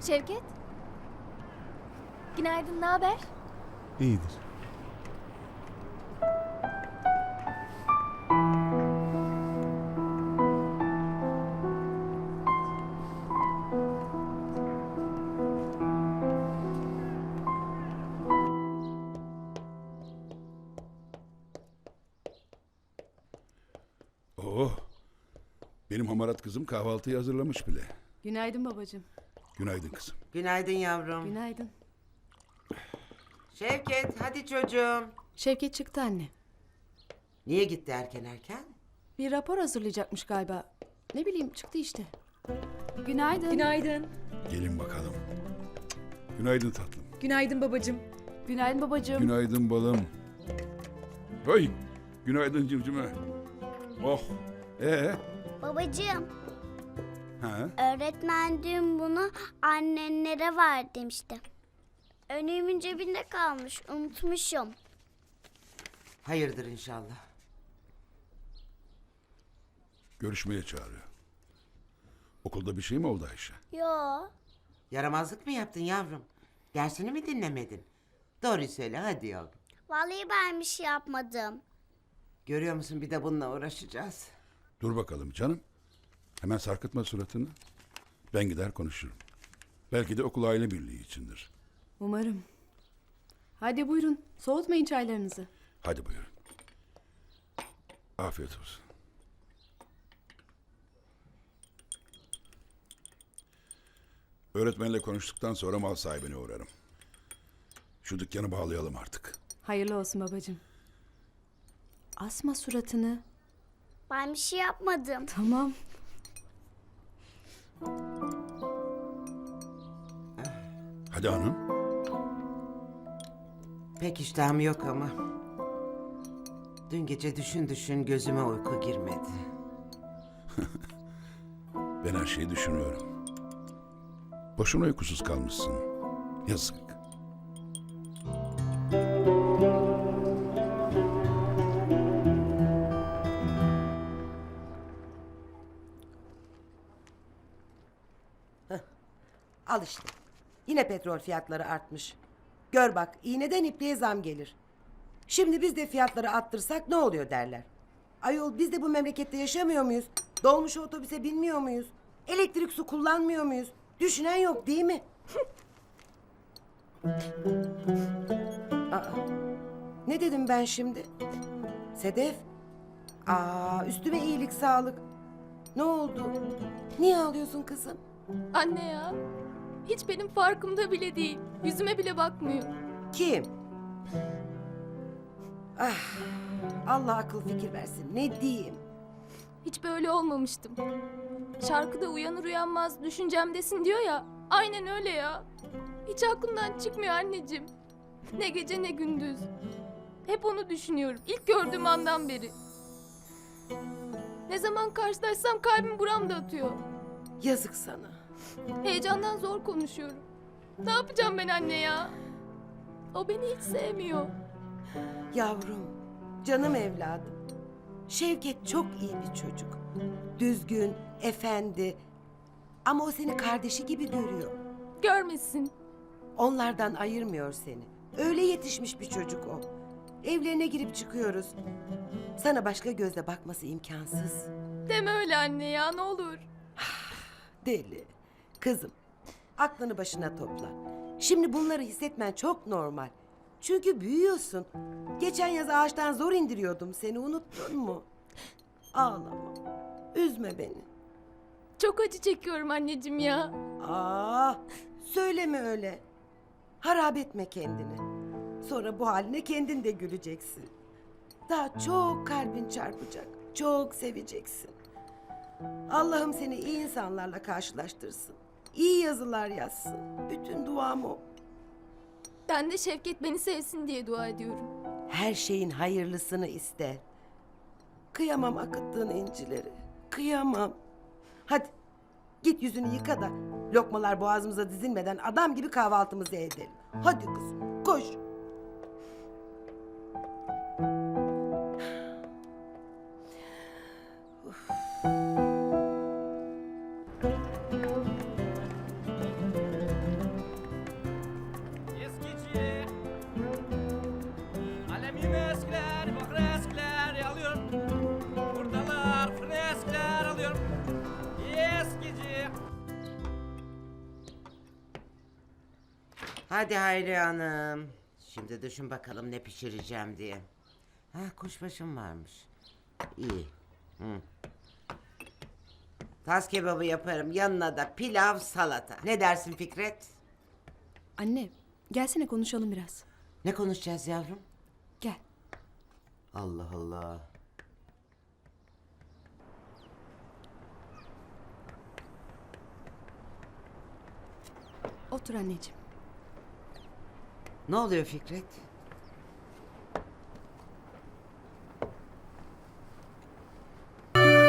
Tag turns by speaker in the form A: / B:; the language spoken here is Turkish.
A: Şevket. Günaydın, ne haber?
B: İyidir.
C: Oh, benim hamarat kızım kahvaltıyı hazırlamış bile.
D: Günaydın babacığım.
C: Günaydın kızım.
E: Günaydın yavrum.
D: Günaydın.
E: Şevket hadi çocuğum.
D: Şevket çıktı anne.
E: Niye gitti erken?
D: Bir rapor hazırlayacakmış galiba. Ne bileyim çıktı işte.
A: Günaydın.
F: Günaydın.
C: Gelin bakalım. Günaydın tatlım.
F: Günaydın babacığım.
A: Günaydın babacığım.
C: Günaydın balım. Hey, günaydın cimcime. Oh,
G: Babacığım,
C: ha?
G: öğretmen dün bunu annenlere ver demişti. Önlüğümün cebinde kalmış, unutmuşum.
E: Hayırdır inşallah.
C: Görüşmeye çağırıyor. Okulda bir şey mi oldu Ayşe?
G: Yo,
E: Yaramazlık mı yaptın yavrum? Dersini mi dinlemedin? Doğruyu söyle hadi yavrum.
G: vallahi ben bir şey yapmadım.
E: Görüyor musun bir de bununla uğraşacağız.
C: Dur bakalım canım. Hemen sarkıtma suratını. Ben gider konuşurum. Belki de okul aile birliği içindir.
D: Umarım. Hadi buyurun. Soğutmayın çaylarınızı.
C: Hadi buyurun. Afiyet olsun. Öğretmenle konuştuktan sonra mal sahibine uğrarım. Şu dükkanı bağlayalım artık.
D: Hayırlı olsun babacığım. Asma suratını.
G: Ben bir şey yapmadım.
D: Tamam.
C: Hadi hanım.
E: Pek iştahım yok ama. Dün gece düşün gözüme uyku girmedi.
C: Ben her şeyi düşünüyorum. Boşuna uykusuz kalmışsın. Yazık.
H: Al işte. Yine petrol fiyatları artmış. Gör bak iğneden ipliğe zam gelir. Şimdi biz de fiyatları arttırsak ne oluyor derler. Ayol biz de bu memlekette yaşamıyor muyuz? Dolmuş otobüse binmiyor muyuz? Elektrik su kullanmıyor muyuz? Düşünen yok değil mi? Aa, ne dedim ben şimdi? Sedef? Üstüme iyilik sağlık. Ne oldu? Niye ağlıyorsun kızım?
A: Anne ya. Hiç benim farkımda bile değil. Yüzüme bile bakmıyor.
H: Kim? Allah akıl fikir versin. Ne diyeyim?
A: Hiç böyle olmamıştım. Şarkıda uyanır uyanmaz düşüncemdesin diyor ya. Aynen öyle ya. Hiç aklımdan çıkmıyor anneciğim. Ne gece ne gündüz. Hep onu düşünüyorum. İlk gördüğüm andan beri. Ne zaman karşılaşsam kalbim buramda atıyor.
H: Yazık sana.
A: Heyecandan zor konuşuyorum. Ne yapacağım ben anne ya? O beni hiç sevmiyor.
H: Yavrum, canım evladım. Şevket çok iyi bir çocuk. Düzgün, efendi. Ama o seni kardeşi gibi görüyor.
A: Görmesin.
H: Onlardan ayırmıyor seni. Öyle yetişmiş bir çocuk o. Evlerine girip çıkıyoruz. Sana başka gözle bakması imkansız.
A: Deme öyle anne ya, ne olur.
H: Deli. Kızım, aklını başına topla. Şimdi bunları hissetmen çok normal. Çünkü büyüyorsun. Geçen yaz ağaçtan zor indiriyordum seni, unuttun mu? Ağlama. Üzme beni.
A: Çok acı çekiyorum anneciğim ya.
H: Söyleme öyle. Harap etme kendini. Sonra bu haline kendin de güleceksin. Daha çok kalbin çarpacak. Çok seveceksin. Allah'ım seni iyi insanlarla karşılaştırsın. İyi yazılar yazsın. Bütün duam o.
A: Ben de Şevket beni sevsin diye dua ediyorum.
H: Her şeyin hayırlısını iste. Kıyamam akıttığın incileri. Kıyamam. Hadi git yüzünü yıka da lokmalar boğazımıza dizilmeden adam gibi kahvaltımızı edelim. Hadi kızım koş.
E: Hadi Hayri Hanım. Şimdi düşün bakalım ne pişireceğim diye. Ha, kuşbaşım varmış. İyi. Hı. Tas kebabı yaparım. Yanına da pilav, salata. Ne dersin Fikret?
D: Anne, gelsene konuşalım biraz.
E: Ne konuşacağız yavrum?
D: Gel.
E: Allah Allah.
D: Otur anneciğim.
E: Ne oluyor Fikret?